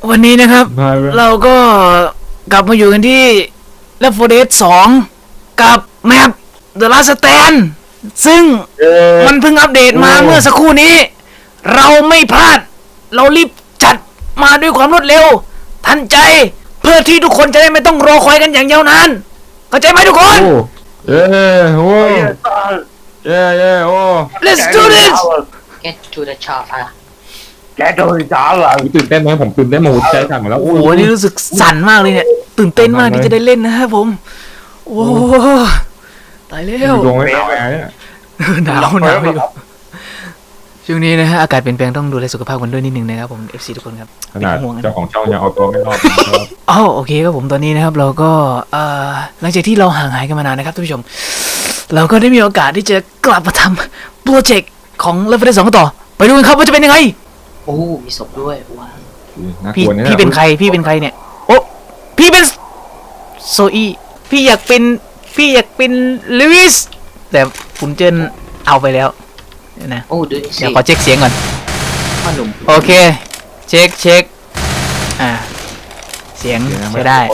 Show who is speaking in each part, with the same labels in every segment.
Speaker 1: วันนี้นะครับเราก็กลับมาอยู่กันที่ Left 4 Dead 2 กับแมป The Last Stand ซึ่งมันเพิ่งอัปเดตมาเมื่อสักครู่นี้เราไม่พลาดเรารีบจัดมาด้วยความรวดเร็วทันใจเพื่อที่ทุกคนจะได้ไม่ต้องรอคอยกันอย่างยาวนานเข้าใจไหมทุกคน
Speaker 2: โอ้โอ้
Speaker 1: Let's do this
Speaker 3: Get to the chop อ่ะ
Speaker 2: Get to the chop อ่ะตื่นเต้นไหมผมตื่นเต้นหมดใจสั่งแล้ว
Speaker 1: โอ้โหนี่รู้สึกสั่นมากเลยเนี่ยตื่นเต้นมากที่จะได้เล่นนะครับผมโอ้ตายแล้ว
Speaker 2: ดวงไม่หนาวเนี่ย
Speaker 1: หนาวอยู่ช่วงนี้นะฮะอากาศเปลี่ยนแปลงต้องดูแลสุขภาพกันด้วยนิดนึงนะครับผม FC ทุกคนครับ
Speaker 2: ขนาดเจ้าของช่องยังเอาตัวไม่รอด
Speaker 1: อ๋อโอเคครับผมตอนนี้นะครับเราก็หลังจากที่เราห่างหายกันมานานนะครับท่านผู้ชมเราก็ได้มีโอกาสที่จะกลับมาทำโปรเจกต์ของ Left 4 Dead 2 ต่อไปดูกันครับว่าจะเป็นยังไง
Speaker 3: โอ้มีศพด้วยว้าว
Speaker 1: พี่เป็นใครเนี่ยโอ้พี่เป็นโซอี้พี่อยากเป็นลูอิสแต่คุณเจนเอาไปแล้วนะ
Speaker 3: โอ้ดูสิ
Speaker 1: เดี๋ยวขอเช็คเสียงก่อน
Speaker 3: พ่อหนุ่ม
Speaker 1: โอเคเช็คเสียงใช้ได้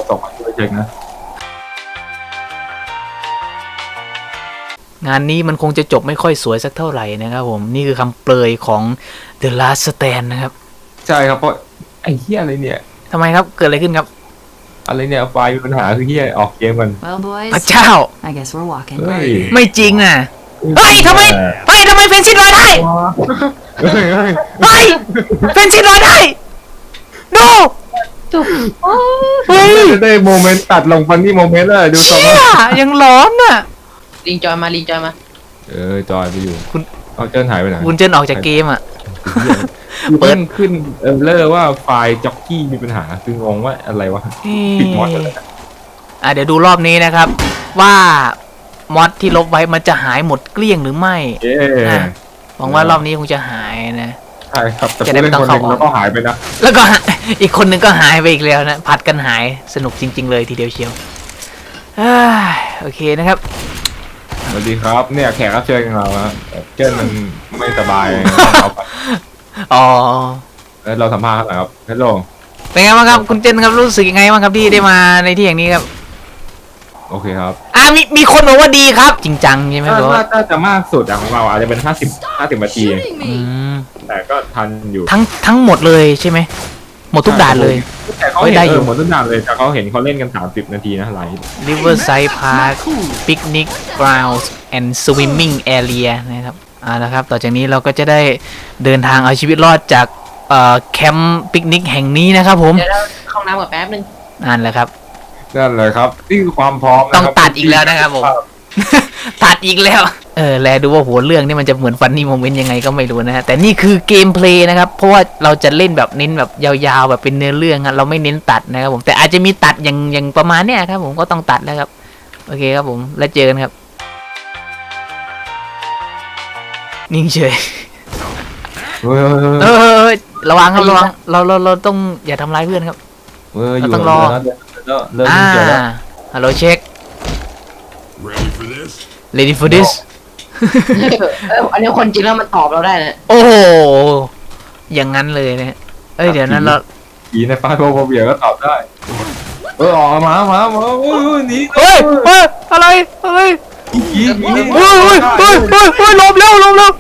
Speaker 1: งานนี้มันคงจะจบไม่ค่อยสวยสักเท่าไหร่นะครับผมนี่คือคำเปรยของ The Last Stand นะครับ
Speaker 2: ใช่ครับเพราะไอ้เหี้ยอะไรเนี่ย
Speaker 1: ทำไมครับเกิดอะไรขึ้นครับ
Speaker 2: อะไรเนี่ยไฟล์มีปัญหาคือเหี้ยออกเกมมัน
Speaker 1: พระเจ้าไม่จริงอ่ะเฮ้ยทำไมเฟนซิลอยได้เฮ้ยเฟนซิลอยได้ดู
Speaker 2: เฮ้ยได้โมเมนต์ตัดลงฟันนี่โมเมนต์เลยดูต่
Speaker 1: อยังร้อนอ่ะ
Speaker 3: ลิงจอยมา
Speaker 2: จอยไปอยู่คุณเอาเจิ้นหายไปไหน
Speaker 1: คุณเจิ้นออกจากเกมอ่ะ
Speaker 2: เปิ้ลขึ้นเลอร์ว่าไฟล์จ็อกกี้มีปัญหาคืองงว่าอะไรวะปิดมอดเลย
Speaker 1: เดี๋ยวดูรอบนี้นะครับว่ามอดที่ลบไว้มันจะหายหมดเกลี้ยงหรือไม่หวังว่ารอบนี้คงจะหายนะ
Speaker 2: ใช่ครับแต่ผู้เล่นคนนึงแล้วก็หายไปนะ
Speaker 1: แล้วก็อีกคนนึงก็หายไปอีกแล้วนะผัดกันหายสนุกจริงๆเลยทีเดียวเชียวโอเคนะครับ
Speaker 2: สวัสดีครับเนี่ยแขกรับเชิญของเราเจิ้นมันไม่สบาย
Speaker 1: อ๋อ
Speaker 2: เราสัมภาษณ์ครับฮัลโหล
Speaker 1: เป็นไงบ้างครับคุณเจนครับรู้สึกยังไงบ้างครับที่ได้มาในที่อย่างนี้ครับ
Speaker 2: โอเคครับ
Speaker 1: มีคนบอกว่าดีครับจริงจังใช่ไหมครับ
Speaker 2: ถ้าจะมากสุดของเราอาจจะเป็น50 นาทีแต่ก็ทันอยู่
Speaker 1: ทั้งหมดเลยใช่ไหมหมดทุกด่านเลย
Speaker 2: แต่เขาได้อยู่หมดทุกด่านเลยแต่เขาเห็นเขาเล่นกัน30 นาทีนะไลฟ์
Speaker 1: Riverside Park Picnic Grounds and Swimming Area นะครับนะครับต่อจากนี้เราก็จะได้เดินทางเอาชีวิตรอดจากแคมป์ปิกนิกแห่งนี้นะครับผม
Speaker 3: เดี๋ยวเราเข้าน้ำก่อนแป๊บนึง
Speaker 1: นั่นแหละครับ
Speaker 2: นี่คือความพร้อม
Speaker 1: ต้องตัดอีกแล้วนะครับผมตัดอีกแล้วแลดูว่าหัวเรื่องนี่มันจะเหมือนฟันนี่โมเมนต์ยังไงก็ไม่รู้นะฮะแต่นี่คือเกมเพลย์นะครับเพราะว่าเราจะเล่นแบบเน้นแบบยาวๆแบบเป็นเนื้อเรื่องเราไม่เน้นตัดนะครับผมแต่อาจจะมีตัดอย่างประมาณเนี้ยครับผมก็ต้องตัดแล้วครับโอเคครับผมแล้วเจอกันครับนิ่งเฉยระวังครับระวังเราต้องอย่าทำร้ายเพื่อนครับเราต้องรอฮัลโหลเช็ค ready for this
Speaker 3: อันนี้คนจริงแล้วมันตอบเราได้นะ
Speaker 1: โอ้โหอย่างนั้นเลยนะเดี๋ยวนั้นเรา
Speaker 2: ผีในฟ้าโบเบียก็ตอบได้ออกมาหนี
Speaker 1: อะไรลมแล้ว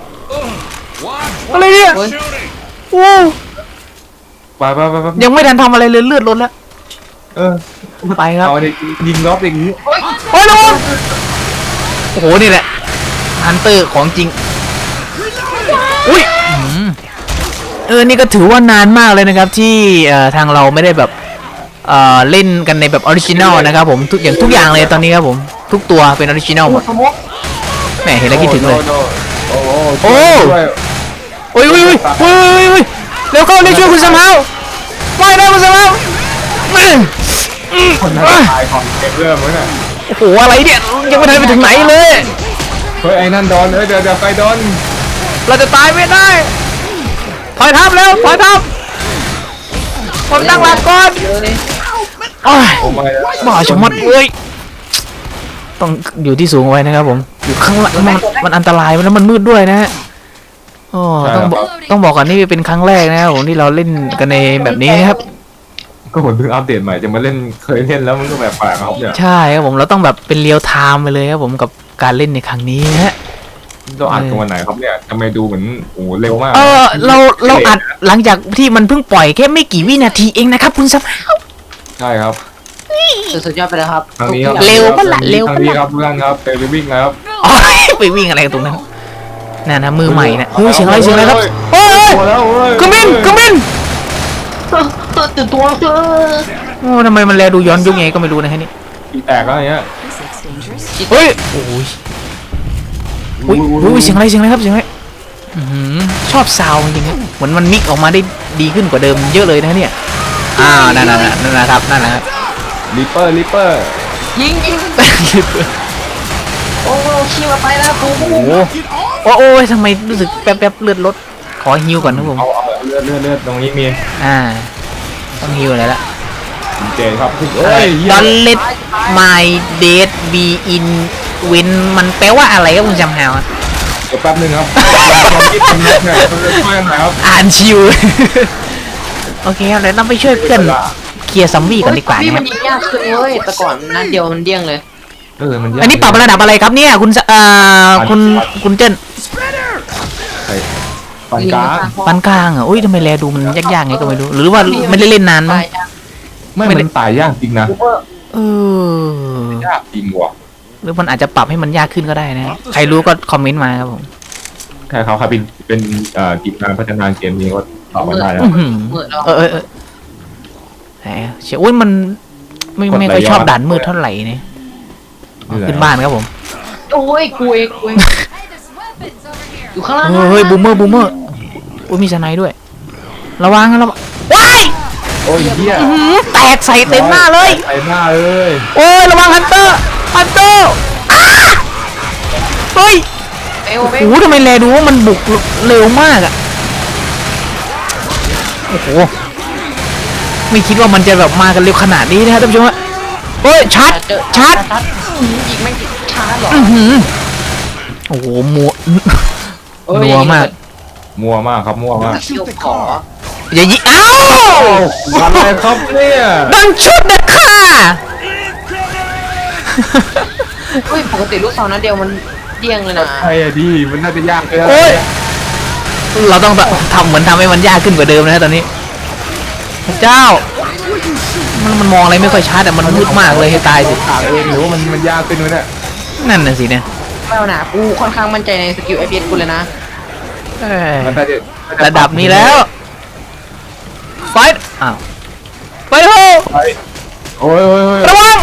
Speaker 1: อะไรเนี่ยโอ้
Speaker 2: ไป
Speaker 1: ยังไม่ทันทำอะไรเลยเลือดล้นแล้วไปครับ
Speaker 2: เอายิงรอบอย่างนี้
Speaker 1: โอ้โหนี่แหละฮันเตอร์ของจริงอุ้ยนี่ก็ถือว่านานมากเลยนะครับที่ทางเราไม่ได้แบบเล่นกันในแบบออริจินัลนะครับผมทุกอย่างเลยตอนนี้ครับผมทุกตัวเป็นออริจินัลหมดแหมเห็นแล้วคิดถึงเลยโอ้เร็วเข้าเร็วช่วยคุณสมาวไม่ได้คุณสมาว
Speaker 2: คนตายก่อนเก็บเรื่องมั้งเนี่ย
Speaker 1: โอ้โหอะไรเนี่ยยังไม่ทันไปถึงไหนเลย
Speaker 2: ไอ้นั่นโดนเดี๋ยวใครโดน
Speaker 1: เราจะตายไม่ได้ถอยทับแล้วถอยทับผมตั้งหลักก่อนบ้าชะมัดเลยต้องอยู่ที่สูงไว้นะครับผมอยู่ข้างหลังมันอันตรายแล้วมันมืดด้วยนะฮะต้องบอกก่อนนี่เป็นครั้งแรกนะครับผมที่เราเล่นกันในแบบนี้นะครับ
Speaker 2: ก็ผมเพิ่งอัปเดตใหม่จะมาเล่นเคยเล่นแล้วมันก็แบบแปลกครับเนี่ย
Speaker 1: ใช่ครับผมเราต้องแบบเป็นเรียลไทม์ไปเลยครับผมกับการเล่นในครั้งนี้ฮะ
Speaker 2: เราอัดกันวันไหนครับเนี่ยทำไมดูเหมือนโอ้โหเร็วมาก
Speaker 1: เราอัดหลังจากที่มันเพิ่งปล่อยแค่ไม่กี่วินาทีเองนะครับคุณสภาพ
Speaker 2: ใช่ครับ
Speaker 3: สุดยอดไปเลยครับ
Speaker 2: ทางนี้ครับ
Speaker 1: เร็วปะล่ะเร็ว
Speaker 2: ทาง
Speaker 1: ปะ
Speaker 2: นี้
Speaker 1: ล่ะ
Speaker 2: ครับทุกท่านครับไปวิ่งนะครับ
Speaker 1: อ๋อไปวิ่งอะไรกันตรงนั้นน่ะนะมือใหม่นะเฮ้ยเสียงอะไรเสียงอะไรครับเฮ้ย
Speaker 2: โอ้แล้วเว้ย
Speaker 1: กระมินกระมิน
Speaker 3: ตื่นตัวเถอะ
Speaker 1: โอ้ทำไมมันแลดูย้อนยุคไงก็ไม่รู้นะฮะนี่
Speaker 2: อีแตกแล้วอย่างเงี้ย
Speaker 1: เฮ้ยโอ้ยอุ้ยเสียงอะไรเสียงอะไรครับเสียงอะไรอื้อหือชอบซาวด์จริงๆนะเหมือนมันมิกออกมาได้ดีขึ้นกว่าเดิมเยอะเลยนะเนี่ยนั่นนะครับนั่นแหละครับ
Speaker 2: ลิปเปอร์
Speaker 3: ยิงโอ้ขี้มาไปแล้วกู
Speaker 1: โอ้ยทำไมรู้สึกแป๊บเลือดลดขอฮิวก่อนนะผม
Speaker 2: เอาเลือดตรงนี้มี
Speaker 1: ต้องฮิวอะไรละ
Speaker 2: เจครับเฮ้ย
Speaker 1: Don't let my date be in win มันแปลว่าอะไรครับคุณจำฮาวอะ
Speaker 2: เดี๋ยวแป๊บนึงครับความคิดผมเนี่ยช่วยกันหน่อยครับ
Speaker 1: อ่านชิว โอเคครับเดี๋ยวต้องไปช่วยเพื่อนเคลียร์ซัมบี้ก่อนดีกว่า
Speaker 3: พี่
Speaker 1: นะค
Speaker 3: มั
Speaker 1: รั
Speaker 3: น
Speaker 1: บ
Speaker 3: ยิงยากขึ้นเว้ยแต่ก่อนนัดเดียวมันเดี้ยงเลย
Speaker 2: มันยาก
Speaker 1: อันนี้ปรับระดับอะไรครับเนี่ยคุณเจน
Speaker 2: ปันกลาง
Speaker 1: ปานกลางอ่ะอุ้ยทำไมแลดูมันยากๆไงก็ไม่รู้หรือว่าไม่ได้เล่นนานมั้ง
Speaker 2: ไม่มันตายยากจริงนะ
Speaker 1: เออ
Speaker 2: ยากจริงว่ะ
Speaker 1: หรือมันอาจจะปรับให้มันยากขึ้นก็ได้นะใครรู้ก็คอมเมนต์มาครับผม
Speaker 2: ใช่ครับเป็นทีมงานพัฒนาเกมนี้ก็ตอบมาได้แล้ว
Speaker 1: อื้อหือแหมเชียวอุ้ยมันไม่ค่อยชอบด่านมืดเท่าไหร่เนี่ยขึ้นบ้านครับผม
Speaker 3: โอ้ยกูเองอยู่ข้างล่าง
Speaker 1: เฮ้ยบูมเมอร์อุ้ยมีสไนด์ด้วยระวังว้าย
Speaker 2: โอ้ยเหี้ย
Speaker 1: แตกใส่เต็มหน้าเลย
Speaker 2: ใส่หน้าเลย
Speaker 1: โอ้ยระวังฮันเตอร์เฮ้ย
Speaker 3: เอว
Speaker 1: โอ้โหทำไมแลดูว่ามันบุกเร็วมากอ่ะโอ้โหไม่คิดว่ามันจะแบบมากันเร็วขนาดนี้นะครับท่านผู้ชมฮะเฮ้ยชาร์จ
Speaker 3: ยิงไม่ติดชาร์จหรอ
Speaker 1: โอ้โหนัวมาก
Speaker 2: มัวมากครับมัวมาก
Speaker 3: เชี่ยวขอ
Speaker 1: อย่ายิงอ้าว
Speaker 2: อะไรครับเนี่ย
Speaker 1: ดังชุดเด็ดค่ะ
Speaker 3: เฮ้ยปกติลูกซองนัดเดียวมันเดี้ยงเลยนะ
Speaker 2: ใช่อะดิมันน่าจะยากเลย
Speaker 1: โอ้ยเราต้องทำเหมือนทำให้มันยากขึ้นกว่าเดิมนะตอนนี้พระเจ้ามันมองอะไรไม่ค่อยชัดแต่มันมืดมากเลยให้ตายสิ
Speaker 2: ถามเองหรือว่ามันยากขึ้นวะเนี่ย
Speaker 1: นั่นน่ะสิเนี่ย
Speaker 3: ไม่เอาหนากูค่อนข้างมั่นใจในสกิลไอพีเอสกูเลยนะ
Speaker 1: เอ้ย
Speaker 2: มันน่าจะ
Speaker 1: ระดับนี้แล้วไฟอ้าวไฟโฮ
Speaker 2: โอ้ย
Speaker 1: ระวัง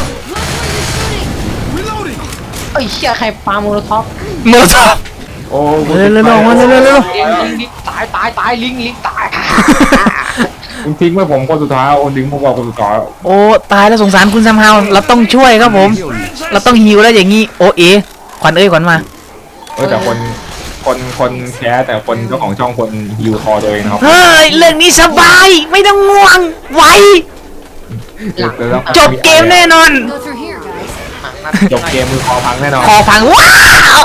Speaker 3: เอ้ยเชี่ยใครปาโมโลท็อป
Speaker 1: มือจับ
Speaker 2: โอ้
Speaker 1: เร็ว
Speaker 3: ลิงตายลิงตาย
Speaker 2: คุณทิ้งไว้ผมคนสุดท้ายโอ้ดึงผมบอกคนสุดท้าย
Speaker 1: โอ้ตายแล้วสงสารคุณซัมฮาวเราต้องช่วยครับผม เราต้องฮิวแล้วอย่างงี้โอเอขวัญขวัญมา
Speaker 2: แต่คนแคสแต่คนเจ้าของช่องคนฮิวคอตัวเองนะครับ
Speaker 1: เฮ้ยเรื่องนี้สบายไม่ต้องง่วงไวจบเกมแน่นอน
Speaker 4: Go through here, guys.
Speaker 2: จบเกมมือคอพังแน่นอน
Speaker 1: คอพังว้าว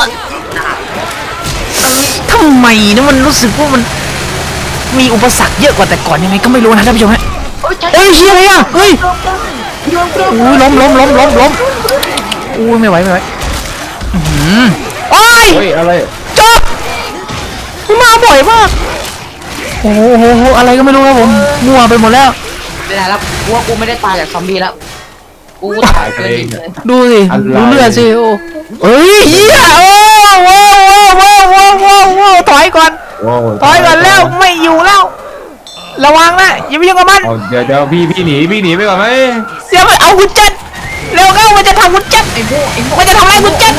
Speaker 1: ทำไมนะมันรู้สึกว่ามันมีอุปสรรคเยอะกว่าแต่ก่อนยังไงก็ไม่รู้นะท่านผู้ชมฮะเฮ้ยเชี่ยอะไรอ่ะเฮ้ยอุ้ยล้มอุ้ยไม่ไหวโอ้ย
Speaker 2: เฮ้ยอะไร
Speaker 1: จบมาบ่อยมากโอ้โหอะไรก็ไม่รู้ครับผมมั่วไปหมดแล้ว
Speaker 3: ไม่ได้แล้วกูว่ากูไม่ได้ตายจากซอมบี้แล้วกูตายเกินเลย
Speaker 1: ดูสิดูเลือดสิโอ้เฮ้ยเฮียโอ้ว้าวถอยก่อนแล้วไม่อยู่แล้วระวังนะอย่าไปยุ่งกับมัน
Speaker 2: เดี๋ยวพี่หนีไปก่อนไหม
Speaker 1: เดี๋ยวมันเอาคุณจัดเร็วเข้ามันจะทำคุณจัดมันจะทำอะไรคุณจัด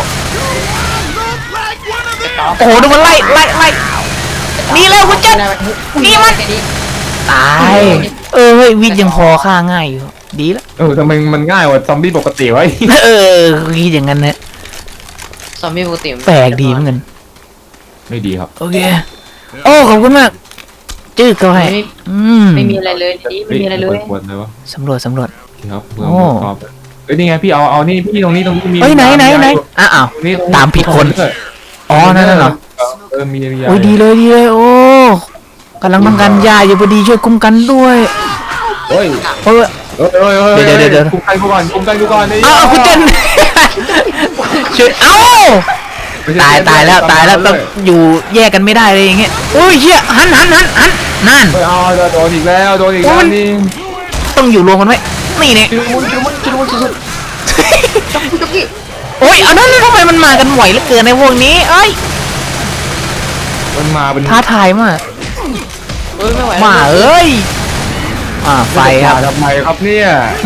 Speaker 1: โอ้โหดูมันไล่นี่เร็วคุณจัดนี่มันตายเฮ้ยวิทย์ยังพอฆ่าง่ายอยู่ดีแล้ว
Speaker 2: ทำไมมันง่ายกว่าซอมบี้ปกติวะ
Speaker 1: คิดอย่างนั้นนะ
Speaker 3: ซอมบี้ปกติ
Speaker 1: แปลกดีเหมือนกัน
Speaker 2: ไม่ดีครับ
Speaker 1: โอเคโอ้ขอบคุณมากจื้อเขาให้
Speaker 3: ไม่มีอะไรเลยนี่ไม่มีอะไรเลย
Speaker 2: ควรเลยวะ
Speaker 1: สำรวจ
Speaker 2: ครับเพื่อนชอบนี่ไงพี่เอานี่พี่ตรงนี้มี
Speaker 1: เฮ้ยไหนอ้าว
Speaker 2: นี่
Speaker 1: ตามผิดคนอ๋อนั่นเหรอ
Speaker 2: มี
Speaker 1: โอ้ยดีเลยโอ้กำลังบังกันยาอยู่พอดีช่วยคุ้มกันด้วย
Speaker 2: เฮ้ย
Speaker 1: เฮ้ย
Speaker 2: เดี๋ยวคุมกันกูก่อนคุมกันกูก่อนนี่
Speaker 1: เอาคุณเจนช่วยเอาตายแล้วต้องอยู่แยกกันไม่ได้เลยอย่างเงี้ยโอ้ยเฮียหันนั่น
Speaker 2: เอาโดนอีกแล้วนี่
Speaker 1: ต้องอยู่รวมกันไว้นี่เนี่ย
Speaker 3: ชุดมุนสุดๆจ๊อกกี้
Speaker 1: โอ้ยเอานั่นทำไมมันมากันไหวเหลือเกินในพวกนี้เอ้ย
Speaker 2: มันมาเป็น
Speaker 1: ท้าทายมาก
Speaker 3: ไม่ไหว
Speaker 1: มาเอ้ยไฟครับ
Speaker 2: ทำไมครับเนี่ย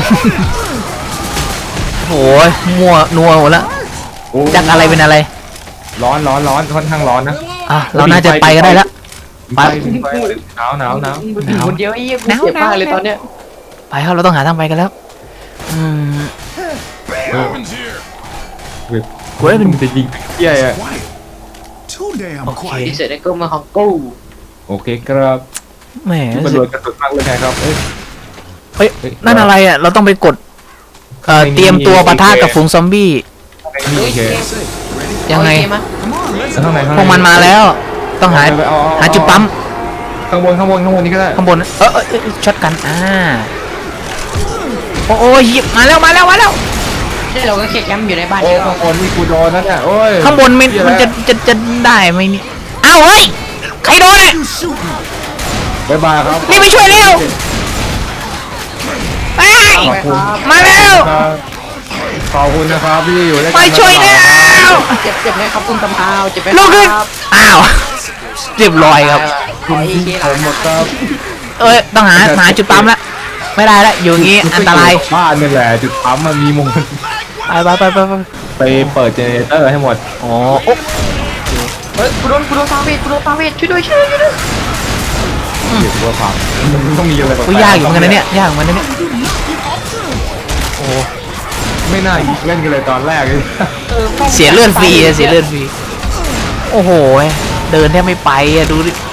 Speaker 1: โอ้ยมัวนัวหมดแล้วจากอะไรเป็นอะไร
Speaker 2: ร้อนค่อนข้างร้อนนะ
Speaker 1: เราน่าจะไปก็ได้แล้ว
Speaker 2: ไปหนาว
Speaker 3: คนเดียวไอ้เหี้ยกูเจ็บมากเลยตอนเนี้ย
Speaker 1: ไปครับเราต้องหาทางไปกันแล้วกูได้เป็น
Speaker 2: จะยิงเหี้ยอ่ะ
Speaker 4: Too damn
Speaker 1: โอเค
Speaker 4: quiet.
Speaker 3: ที่เสร็จได้ก็มาของกู
Speaker 2: โอเคครับ
Speaker 1: แหม
Speaker 2: กระโดดกระสุนมากเลยครับเอ้ย
Speaker 1: เฮ้ยนั่นอะไรอ่ะเราต้องไปกดเตรียมตัวปะทะกับฝูงซอมบี้
Speaker 2: โอเค
Speaker 1: ยังไง
Speaker 2: ข้างใน
Speaker 1: พวกมันมาแล้ว ต้องหาจุดปั๊ม
Speaker 2: ข้างบนนี่ก็ได้
Speaker 1: ข้างบนช็อตกันโอ้ยมาแล้ว
Speaker 3: ที่เราก็แค่แคมป์อยู่ในบ้าน
Speaker 2: โอ้
Speaker 3: เยอะ
Speaker 2: ข้างบนนี่กูโดนนั่นเนี่ยโอ้ย
Speaker 1: ข้างบนมันจะได้ไหมนี่เอ้าเฮ้ยใครโดนอ่ะ
Speaker 2: บ๊ายบายครับ
Speaker 1: รีบไปช่วยเร็วไปมาแล้ว
Speaker 2: ขอบคุณนะครับที่อยู่ด้วย
Speaker 1: ไป
Speaker 2: กัน
Speaker 1: ช่วยแล้ว
Speaker 3: เจ็บไหมครับคุณตำพาวเจ็บไหม
Speaker 1: ลูกขึ้น
Speaker 3: ครับ
Speaker 1: อ้าวเรียบร้อยครับ
Speaker 3: คุณที่ผมหมดครับ
Speaker 1: ต้องหาจุดปั๊มละไม่ได้ละอยู่อย่างงี้อันตราย
Speaker 2: บ้านนี่แหละจุดปั๊มมันมีมุม
Speaker 1: ไป
Speaker 2: ไปเปิดเจเนเรเตอร์ให้หมด
Speaker 1: อ๋อ
Speaker 3: เฮ้ยกูโดนฟาเวทช่วยด้วย
Speaker 2: เดี๋ยวว่าพังมันต้องมีอะไร
Speaker 1: กูยากอยู่เหมือนกันนะเนี่ยยากเหมือนกันนะเนี่ยโอ้
Speaker 2: ไม่น่าเล่นกันเลยตอนแรกเลย
Speaker 1: เสียเลือดฟรีโอ้โหเดินแทบไม่ไปอะดูดิ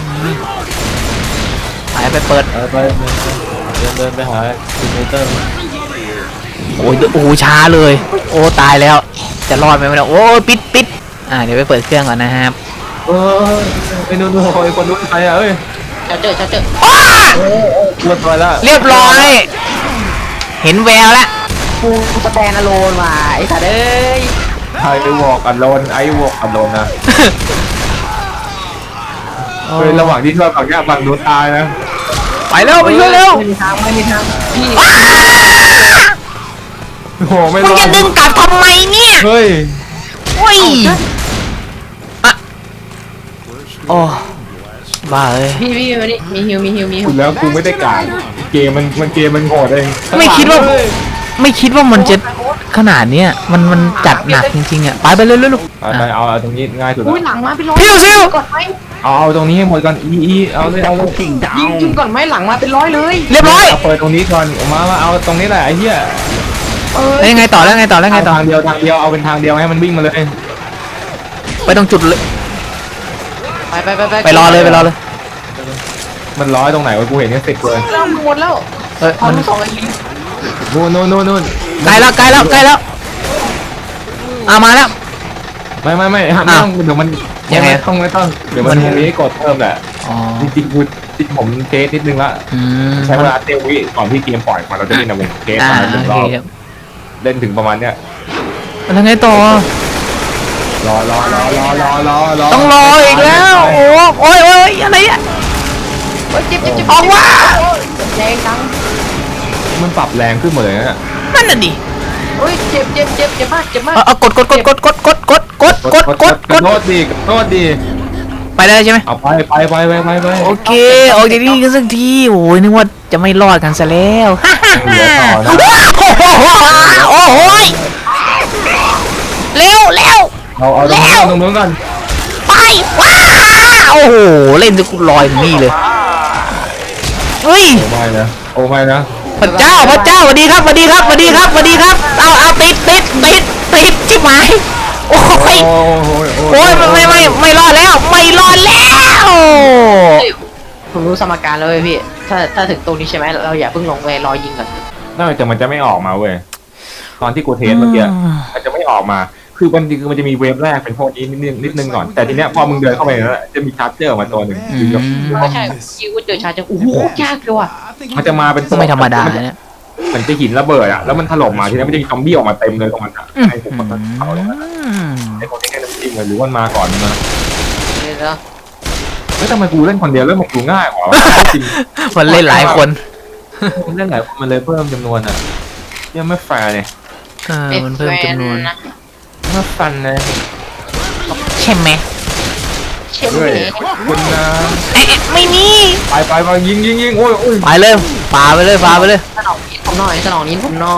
Speaker 1: ไปเปิด
Speaker 2: ไปเดินไปหาเจเนเรเตอร์
Speaker 1: โอ้โหช้าเลย โอ้ตายแล้วจะรอดไหมเนี่ยโอ้ปิดเดี๋ยวไปเปิดเครื่องก่อนนะครับ
Speaker 2: ไอ้นู่นไอ้คนนู้นใครอ่ะเอ้ย
Speaker 3: จะเจอ
Speaker 2: กลัวตัวแล้ว
Speaker 1: เรียบร้อย เห็นแววแล้ว
Speaker 3: กูสแตนอะโลนว่ะไอ้สัตว์เอ้ย
Speaker 2: ไอ้วอกอัดโลนนะ เฮ้ยระหว่างที่ช่วยฝั่งเนี้ยฝั่งนู้นตายนะ
Speaker 1: ไปเร็วไปช่วยเร็ว
Speaker 3: ไม่มีทางพี่
Speaker 2: โอ้โหไม่
Speaker 1: มึ
Speaker 2: รง อ
Speaker 1: จะ
Speaker 2: ด
Speaker 1: ดึงกลับทำไมเนี่ย
Speaker 2: เฮ้ย
Speaker 1: โอ้ยโอ้บ้าเลย
Speaker 3: พี่มานี่มีฮิว
Speaker 2: คุณแล้วกูไม่ได้กาดเกมมันโหดเอง
Speaker 1: ไม่คิดว่ามันจะขนาดเนี้ยมันจัดหนักจริงๆอ่ะไปเร็ว
Speaker 2: ไปเอาตรงนี้ง่ายสุด
Speaker 3: อุ้ย
Speaker 2: ละ
Speaker 3: หลังมาเป็นร้อย
Speaker 1: ซิว
Speaker 3: ก่อนไหม
Speaker 2: เอาตรงนี้ให้หมดก่อนเอาเลย
Speaker 3: ยิงก่อนไหมหลังมาเป็นร้อยเลย
Speaker 1: เรียบร้อย
Speaker 2: เปิดตรงนี้ก่อนมาเอาตรงนี้แหละไอ้เหี้ย
Speaker 1: แล้วยังไงต่อ
Speaker 2: ทางเดียวเอาเป็นทางเดียวให้มันวิ่งมาเลย
Speaker 1: ไปตรงจุดเลย
Speaker 3: ไป
Speaker 1: รอเลย
Speaker 2: มันร้อยตรงไหนวะกูเห็นแค่10เลย
Speaker 3: เราหมดแล้ว
Speaker 1: มัน
Speaker 3: สองไอ้ลิง
Speaker 2: นู่น
Speaker 1: ใกล้แล้วมาแล้ว
Speaker 2: ไม่ไม่ต้องเดี๋ยวมัน
Speaker 1: ยังไง
Speaker 2: ไม่ต้องเดี๋ยวมันตรงนี้กดเพิ่มแหละ
Speaker 1: อ๋อ
Speaker 2: จริงๆผมเทสนิดนึงละใช้เวลาเต็มวิก่อนที่เกมปล่อยมาเราจะเล่นนะผมเทสมาหนึ่งรอบเล่นถึงประมาณเนี้ย
Speaker 1: แล้วไงต่อ
Speaker 2: รอ
Speaker 1: ต้องรออีกแล้วโอ้ยอะไรอ่ะ
Speaker 3: เจ็บ
Speaker 1: ออกว่า
Speaker 3: แรงจัง
Speaker 2: มันปรับแรงขึ้นหมดเลยนะ
Speaker 1: นั่นน่ะดิ
Speaker 3: โอ้ยเจ็บมาก
Speaker 1: กด
Speaker 2: กระโดดดี
Speaker 1: ไปได้ใช่ไหม
Speaker 2: เอาไป
Speaker 1: โอเคออกจากนี่กันสักทีโอ้ยนึกว่าจะไม่รอดกันซะแล้วโอ้โหเร็ว
Speaker 2: เอาตรงนู้นก่อน
Speaker 1: ไปว้าโอ้โหเล่นจะลอยนี่เลยเฮ้ย
Speaker 2: โอ้ไม่นะ
Speaker 1: พระเจ้าสวัสดีครับเอาติดชิบหายโอ้ยไม่รอดแล้ว
Speaker 3: ผมรู้สมการแล้วเว้ยพี่ถ้าถึงตรงนี้ใช่ไหมเราอย่าเพิ่งลงเลยรอยิงก่อน
Speaker 2: น่าจะมันจะไม่ออกมาเว้ยตอนที่กูเทสเมื่อกี้มันจะไม่ออกมาคคือมันจะมีเวฟแรกเป็นพวกนี้นิดนึงก่อนแต่ทีเนี้ยพอมึงเดินเข้าไปแล้วจะมีชาร์เจอร์ออกมาตัวหนึ่งคือแบบ
Speaker 3: ไม่ใช่คิวเจอชาร์จโอ้โหยากเลยว่ะ
Speaker 2: มันจะมาเป็น
Speaker 1: ก็ไม่ธรรมดาเนี่ย
Speaker 2: เหมือนจะหินระเบิดอะแล้วมันถล่มมาทีนี้มันจะมีซอมบี้ออกมาเต็มเลยตรงนั้นอะให้ผมมันเขาเลยนะไอ้คนที่แค่น้ำจิ้มเลยหรือว่ามาก่อนมา
Speaker 3: เดี๋ยว
Speaker 2: เฮ้ยทำไมกูเล่นคนเดียวเล่นมันดูง่ายกว่าจริง
Speaker 1: มันเล่นหลายคน
Speaker 2: มันเล่นหลายคนมันเลยเพิ่มจำนวนอะยังไม่แฟร์เลย
Speaker 1: มันเพิ่มจำนวน
Speaker 3: นะ
Speaker 2: ไม่ฟันเลย
Speaker 1: ใช่ไหม
Speaker 3: เช่น
Speaker 2: ด้วย
Speaker 3: นี้
Speaker 2: คุณนะ
Speaker 1: ไม่มี
Speaker 2: ไปยิงโอ้ย
Speaker 1: ไปเลยปาไปเลยปาไปเลย
Speaker 3: สนองนี้ผมหน่อยสนองนี้ผมหน่อย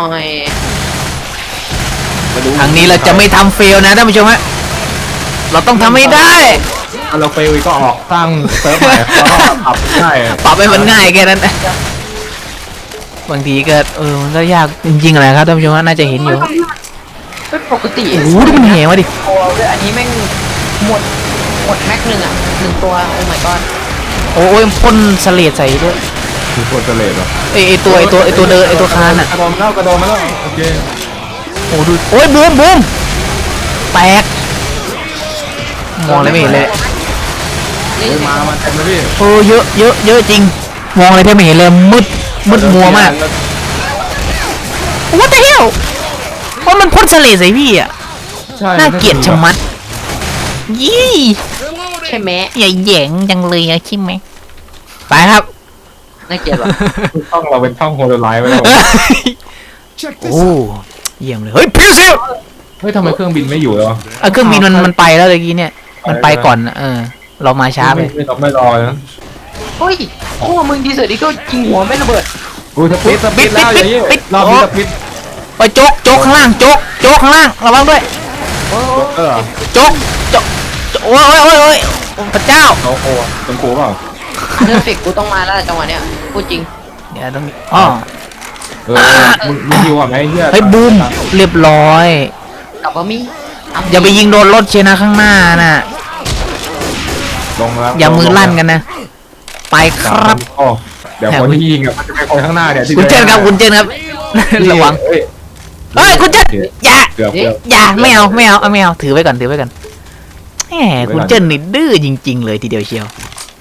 Speaker 1: ครั้งนี้เราจะไม่ทำเฟลนะท่านผู้ชมฮะเราต้องทำให้ได้
Speaker 2: เราเฟลก็ออกสร้างเซิร์ฟใหม่แล้วก็ขับได้
Speaker 1: ปรับให้มันง่ายแค่นั้นนะบางทีก็มันก็ยากจริงๆแหละครับท่านผู้ชมฮะน่าจะเห็นอยู่
Speaker 3: เป็นปกติ
Speaker 1: โอ้โหดูมันเหวมาดิ
Speaker 3: ตัวด้วยอันนี้แม่งหมดแม็กหนึ่งอ่ะหนึ่งตัวโอ้ my god
Speaker 1: โอ้ยพ่นเสลดใส่ด้วย
Speaker 2: คือคนเจริญเหรอ
Speaker 1: ไอตัวเดินไอตัวคานอ่ะ
Speaker 2: กระโดดมาแล้วโอเค
Speaker 1: โอ้ดูโอ้ยบูมแตกมองอะไรไม่เห็นเลย
Speaker 3: นี่
Speaker 2: มาเต็มเลยพี่
Speaker 1: โอ้เยอะจริงมองอะไรแทบไม่เห็นเลยมืดมัวมาก What the hell เพราะมันพ่นเสลดใส่พี่อ่ะ
Speaker 2: ใช่
Speaker 1: น่าเกลียดชะมัดยี่
Speaker 3: ใช่ไหม
Speaker 1: อย่าแหย่งจังเลยอะใช่ไหมไปครับ
Speaker 3: น่าเกลียดว่ะ
Speaker 2: ช่องเราเป็นช่องโฮโลไลท์ไว้แล้ว
Speaker 4: Check
Speaker 1: โอ้
Speaker 4: this out.
Speaker 1: เยี่ยมเลยเฮ้ยพี่ซิล
Speaker 2: เฮ้ยทำไมเครื่องบินไม่อยู่แล้ว
Speaker 1: เครื่องบินมันไปแล้วเมื่อกี้เนี่ยมันไปก่อนเรามาช้าไป
Speaker 2: ไม่รอนะ
Speaker 3: เฮ้ยโอ้มึงดีเสือดีก็ยิงหัวไม่ระเบิด
Speaker 2: กูสปิดแล้วอย่างนี้รอบนี้สปิด
Speaker 1: โอ้ยโจ๊กข้างล่างโจ๊กข้างล่างระวังด้วย
Speaker 3: โอ้
Speaker 1: โจ๊กโอ้ยพระเจ้า
Speaker 2: โอ้โหเป็นกูเปล่า
Speaker 3: เนื้อฟิกกูต้องมาแล้วจังหวะเนี้ยพูดจริง
Speaker 1: เดี๋ยวต้องอ๋อ
Speaker 2: มึงฮิวอ่ะไอ้เหี้ย
Speaker 1: เฮ้ยบูมเรียบร้อย
Speaker 3: กลับมามี
Speaker 1: อย่าไปยิงโดนรถเชยนะข้างหน้าน่ะ
Speaker 2: ลงแล้ว
Speaker 1: อย่ามือลั่นกันนะไปครับ
Speaker 2: เดี๋ยวคนที่ยิงอ่ะมันจะเป็นคนข้างหน้าเนี่ย
Speaker 1: คุณเจนครับระวังเฮ้ยคุณเจนอย่า
Speaker 2: เกือบ
Speaker 1: อย่าไม่เอาถือไว้ก่อนแหมคุณเจนนี่ดื้อจริงๆเลยทีเดียวเชียว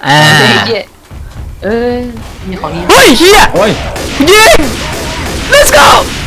Speaker 3: เออมีของนี้
Speaker 1: เฮ้ยเฮีย
Speaker 2: โอ้ย
Speaker 1: ยิง let's go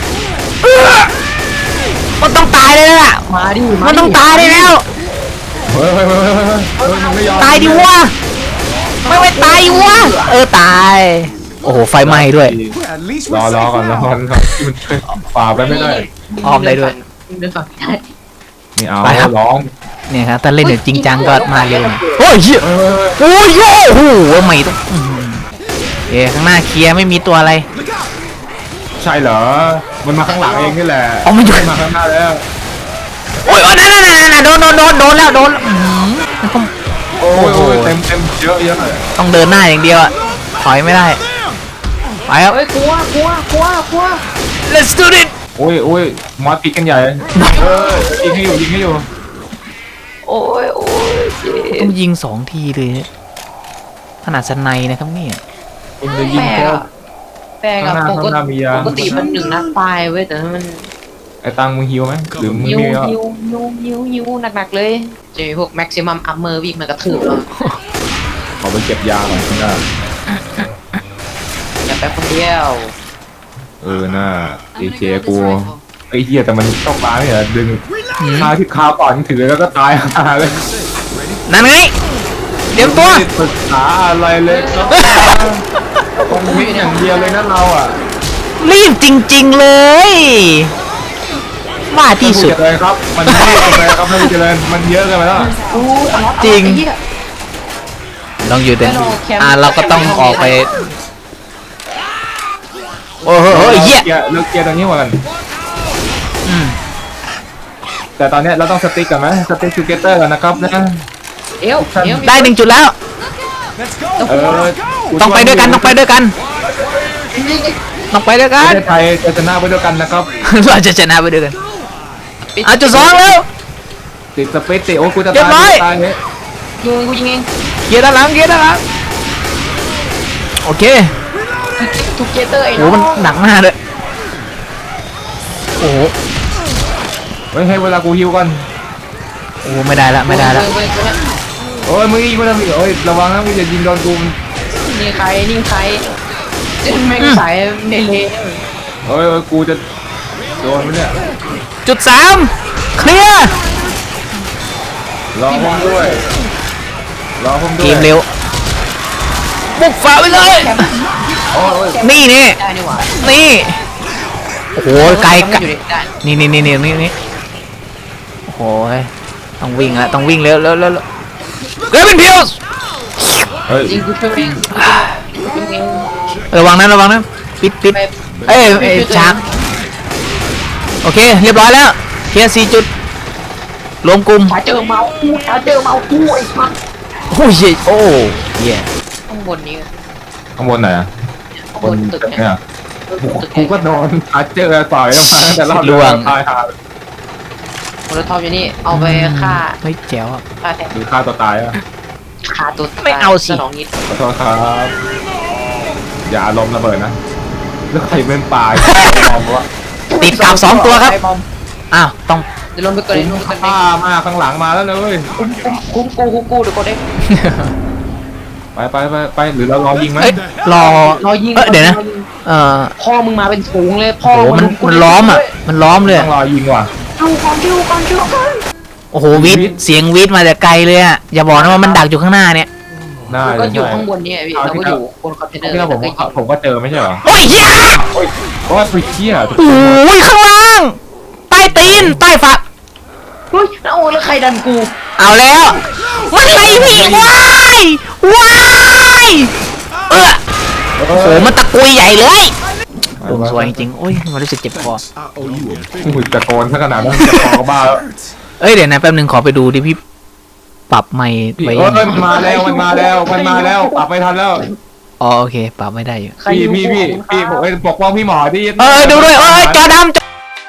Speaker 1: มันต้องตายเลยล่ะ
Speaker 3: มาดิ
Speaker 1: มันต้องตายได้แล้ว
Speaker 2: เฮ้ยมันไม่ยอม
Speaker 1: ตายดิวะไม่ตายดิวะตายโอ้โหไฟไหม้ด้วย
Speaker 4: Well, at least
Speaker 2: ร
Speaker 4: we're
Speaker 2: อ
Speaker 4: safe
Speaker 2: ก่อน
Speaker 4: now.
Speaker 2: มันฝ่าไปไม่ได้
Speaker 1: ออมได้ด้วย
Speaker 3: เดินฝั่งได้
Speaker 2: นี่เอา
Speaker 1: ไปครับ
Speaker 2: ร้อง
Speaker 1: เนี่ยครับถ้าเล่นแบบจริงจังก็มาเร็วหน่อยโอ้ยเหี้ยโอ้ยโอ้โหไม่ต้องข้างหน้าเคลียร์ไม่มีตัวอะไร
Speaker 2: ใช่เหรอมันมาข้างหลังเองนี่แหละ
Speaker 1: เอามาอยู่
Speaker 2: มาข้างหน้าแล้ว
Speaker 1: โอ้ยนั่นโดนแล้ว
Speaker 2: โอ้ยเต็มเยอะเลย
Speaker 1: ต้องเดินหน้าอย่างเดียวอะถอยไม่ได้ไปครับ
Speaker 3: เฮ้ยกลัว
Speaker 1: let's do it
Speaker 2: โอ้ยมอสติดกันใหญ่ยิงให้อยู่
Speaker 3: โอ้ยเจ๊
Speaker 1: ต้องยิง2 ทีเลยขนาดสไนนะครับเนี่ย
Speaker 2: คุณจะยิง
Speaker 3: แปลกับปก
Speaker 2: ข้างหน้ามียา
Speaker 3: ติมัน1 นัดตายเว้ยแต่มัน
Speaker 2: ไอ้ตังมึงฮิวไหมหรือมึง
Speaker 3: ยิว
Speaker 2: มีอ่ะ
Speaker 3: ยิวหนักๆเลยจะมีพวก maximum armor วิ่งมากระทืบเรา
Speaker 2: ขอไปเก็บยาหน่อยข้างหน้า
Speaker 3: อย่าไปคนเดียว
Speaker 2: น่าดีเจกูไอ้เหี้ยแต่มันต้องมาเนี่ยดึงคาที่คาก่อนถือแล้วก็ตายหาเลย
Speaker 1: นั่นไงเดี๋ยวตัว
Speaker 2: ไม่ได้ปรึกษาอะไรเลยครับตรงนี้อย่างเดียวเลยนะเราอ่ะ
Speaker 1: รีบจริงๆเลยว่าที่สุด
Speaker 2: เลยครับมันไม่ได้เลยครับไม่ได้เลยมันเยอะเกินไปแล้ว
Speaker 1: จริง ลองอยู่แต่เราก็ต้องออกไปโอ้โหเหี้ย
Speaker 2: เลิกเกียร์ตรงนี้หมดกันแต่ตอนนี้เราต้องสติ๊กกันไหมสติ๊กทูเกเตอร์กันนะครับนะ
Speaker 3: เอว
Speaker 1: ได้1 จุดแล้ว
Speaker 4: Let's go.
Speaker 1: ต้องไปด้วยกันประเทศไทย
Speaker 2: จะชนะไปด้วยกันนะครับ
Speaker 1: เราจะชนะไปด้วยกันจุด 2แล้ว
Speaker 2: ติดสเปซติโอ้กูจะ
Speaker 1: เรียบร้
Speaker 2: ตา
Speaker 1: อย
Speaker 2: ยตายเนี่ย
Speaker 3: ยิงกูยิงเอง
Speaker 1: เกียร์ด้านหลังโอเค
Speaker 3: ทูเกเตอร์ไอ้
Speaker 1: โอ้มันหนักมากเลยโอ้โห
Speaker 2: ฮ้ยให้เวลากูฮิวก่อน
Speaker 1: โอ้ไม่ได้ละไม่ได้ละ
Speaker 2: โอ้ยมึงยิงมันเลยโอ้ยระวังนะมึงอย่ายิงโดนกู
Speaker 3: นี่ใครแม่งสายเมเล
Speaker 2: โอ้ยกูจะโดนมันเนี่ย
Speaker 1: จุด 3เคลียร์
Speaker 2: รอผมด้วยรอผมด้วย
Speaker 1: เกมเร็วบุกฝ่าไปเลย
Speaker 2: โอ้ย
Speaker 1: นี่นี่
Speaker 3: ได้นี่หว่า
Speaker 1: นี่โอ้โหไกล
Speaker 3: มันอยู่ได้
Speaker 1: นี่โอ้โหต้องวิ่งละต้องวิ่งเร็วเกรวินพิลส์
Speaker 2: เฮ้ย
Speaker 3: จริงกูช่วยเอง
Speaker 1: ระวังนะปิดเอ้ยช้างโอเคเรียบร้อยแล้วเคลียร์4จุดรวมกลุ่ม
Speaker 3: ถ้าเจอเมากูไอ้สัส
Speaker 1: โอ้ยโอ้เย่
Speaker 3: ข้างบนนี้
Speaker 2: ข้างบนไหนอะ
Speaker 3: ข้างบนตึก
Speaker 2: เนี่
Speaker 3: เนี่ย ย
Speaker 2: กูก็โดนอาเจอต่อยแล้วมาแต่รอบเดียวตายหา
Speaker 3: โมโลทอปอยู่นี่เอาไปฆ่า
Speaker 1: ไม่แจ๋วอ่ะ
Speaker 3: ฆ่าแทน
Speaker 2: หรือฆ่าตัวตายอะ
Speaker 3: ฆ่าตัว
Speaker 1: ไม่เอาสิ
Speaker 3: สนองนิด
Speaker 2: ขอโทษครับอย่าลมระเบิดนะแล้วใครเป็นปลายมองว่า
Speaker 1: ติดกับ2ตัวครับ
Speaker 3: ไอ้บอม
Speaker 1: อ้าวต้อง
Speaker 3: เดี๋ยวลงไปเกินลงไปเกิน
Speaker 2: ฆ่ามากข้างหลังมาแล้วเลย
Speaker 3: คุ้มกูเดี๋ยวกดเอง
Speaker 2: ไปหรือเรารอยิงไหม
Speaker 1: เอ้ยรอ
Speaker 3: รอยิง
Speaker 1: เดี๋ยวนะ
Speaker 3: พ่อมึงมาเป็นฝูงเลยพ่อ
Speaker 1: โอ้โหมันล้อมอ่ะมันล้อมเลย
Speaker 2: ต้องรอยิงว่ะ
Speaker 3: ดูก่อน
Speaker 1: โอ้โหวิทเสียงวิทมาแต่ไกลเลยอ่ะอย่าบอกนะว่ามันดักอยู่ข้างหน้าเนี่ย
Speaker 2: น่า
Speaker 3: ก็
Speaker 2: จะ
Speaker 3: อยู่
Speaker 2: ใช่
Speaker 3: ข้างบนนี่พี่เราก็อยู่บนคอนเทนเนอร์
Speaker 2: ที่เราผมก็เจอไม่ใช่เหรอ
Speaker 1: โอ้ยเหี้ย
Speaker 2: เพราะว่าไปเชี่ย
Speaker 1: โอ้ยข้างล่างใต้ตีนใต้ฝัก
Speaker 3: เฮ้ยแล้วใครดันกู
Speaker 1: เอาแล้วมันไล่พี่ว้ายโอ้โหมันตะกุยใหญ่เลยสวยจริงๆโอ้ยมันรู้สึกเจ็บคอ
Speaker 4: I owe you a big
Speaker 2: หุ่นตะโกนซะขนาดนั้นจะคอบ้าแล้ว
Speaker 4: hurts.
Speaker 1: เอ้ยเดี๋ยวนะแป๊บนึงขอไปดูดิพี่ปรับไมค์ไว้
Speaker 2: เอ้ยมันมาแล้วปรับไม่ทันแล้ว
Speaker 1: อ๋อโอเคปรับไม่ได้อยู่
Speaker 2: พี่ผมปกป้องพี่หมอที่
Speaker 1: ดูด้วยจอดำ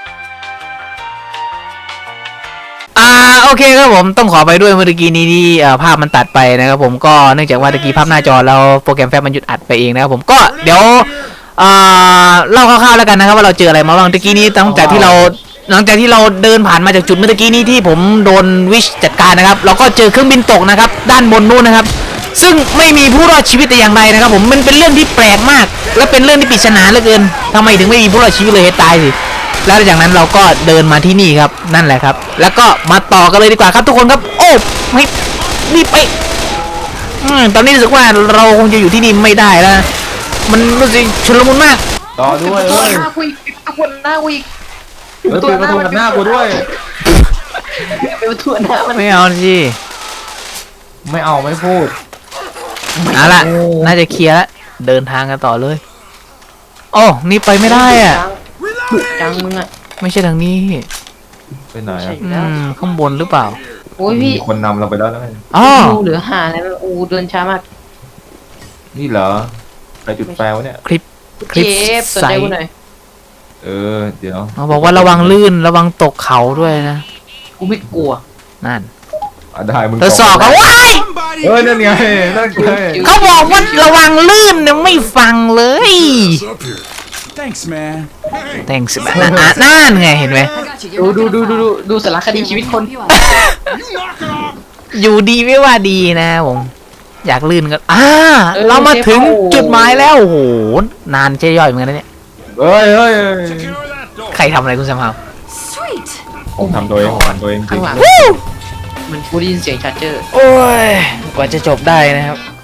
Speaker 1: โอเคครับผมต้องขอไปด้วยเมื่อกี้นี้ที่ภาพมันตัดไปนะครับผมก็เนื่องจากว่าตะกี้ภาพหน้าจอแล้วโปรแกรมแฟบมันหยุดอัดไปเองนะครับผมก็เดี๋ยวเล่าคร่าวๆแล้วกันนะครับว่าเราเจออะไรมาบ้างตะกี้นี้หลังจากที่เราเดินผ่านมาจากจุดเมื่อกี้นี้ที่ผมโดนวิชจัดการนะครับเราก็เจอเครื่องบินตกนะครับด้านบนนู้นนะครับซึ่งไม่มีผู้รอดชีวิตแต่อย่างใดนะครับผมมันเป็นเรื่องที่แปลกมากและเป็นเรื่องที่ปริศนาเหลือเกินทำไมถึงไม่มีผู้รอดชีวิตเลยให้ตายสิแล้วจากนั้นเราก็เดินมาที่นี่ครับนั่นแหละครับแล้วก็มาต่อกันเลยดีกว่าครับทุกคนครับโอ้ไม่รีบไปตอนนี้รู้สึกว่าเราคงจะอยู่ที่นี่ไม่ได้แล้วนะมันรู้สึกชุลมุนมาก
Speaker 2: ต่อด้วย
Speaker 3: ตัว
Speaker 2: เอ้ย
Speaker 3: หน้ากูอีกตัวหน้ากูอีก
Speaker 2: เปิดประตูกับหน้ากูด้วย
Speaker 3: เป็นตัวหน้ามัน
Speaker 1: ไม่เอาสิ
Speaker 2: ไม่เอาไม่พูด
Speaker 1: เอาล่ะน่าจะเคลียร์แล้วเดินทางกันต่อเลยโอ้นี่ไปไม่ได้อ่ะ
Speaker 3: จังมึงอ่ะ
Speaker 1: ไม่ใช่ทางนี้
Speaker 2: ไปไหนอ่ะ
Speaker 1: ข้างบนหรือเปล่า
Speaker 3: โอ้ยพี่
Speaker 2: มีคนนำเราไปแล้วนะ
Speaker 1: อ๋อ
Speaker 3: ดูเหลือหาอะไรเดินช้ามาก
Speaker 2: นี่เหรอไปจุดแปลวะเนี่ย
Speaker 1: คลิป
Speaker 3: เจฟสนใจกูหน่อย
Speaker 2: เดี๋ยว
Speaker 1: เขาบอกว่าระวังลื่นระวังตกเขาด้วยนะ
Speaker 3: กูไม่กลัว
Speaker 1: นั่น
Speaker 2: ได้มึง
Speaker 1: ทดสอบกันว้าย
Speaker 4: Somebody
Speaker 2: นั่นไงนั่นไง
Speaker 1: เขาบอกว่าระวังลื่นเนี่ยไม่ฟังเลย
Speaker 4: is up here. Thanks, man.
Speaker 1: แต่งสิบนั่นไงเห็นไหม
Speaker 3: ดูสารคดีชีวิตคน
Speaker 4: You knock it off.
Speaker 1: อยู่ดีไม่ว่าดีนะผมอยากลื่นก็เรามาถึงจุดหมายแล้วโอ้โหนานเจ๊ย่อยเหมือนกันนะเนี่ย
Speaker 2: เฮ้ย
Speaker 4: Take care of that door.
Speaker 1: ใครทำอะไรคุณแซมฮาว
Speaker 5: Sweet.
Speaker 2: ผมทำตัวเองจริ
Speaker 3: ข้าง งหลังมันกูได้ยินเสียงชาร์เจอร์
Speaker 1: โอ้ยกว่าจะจบได้นะครับ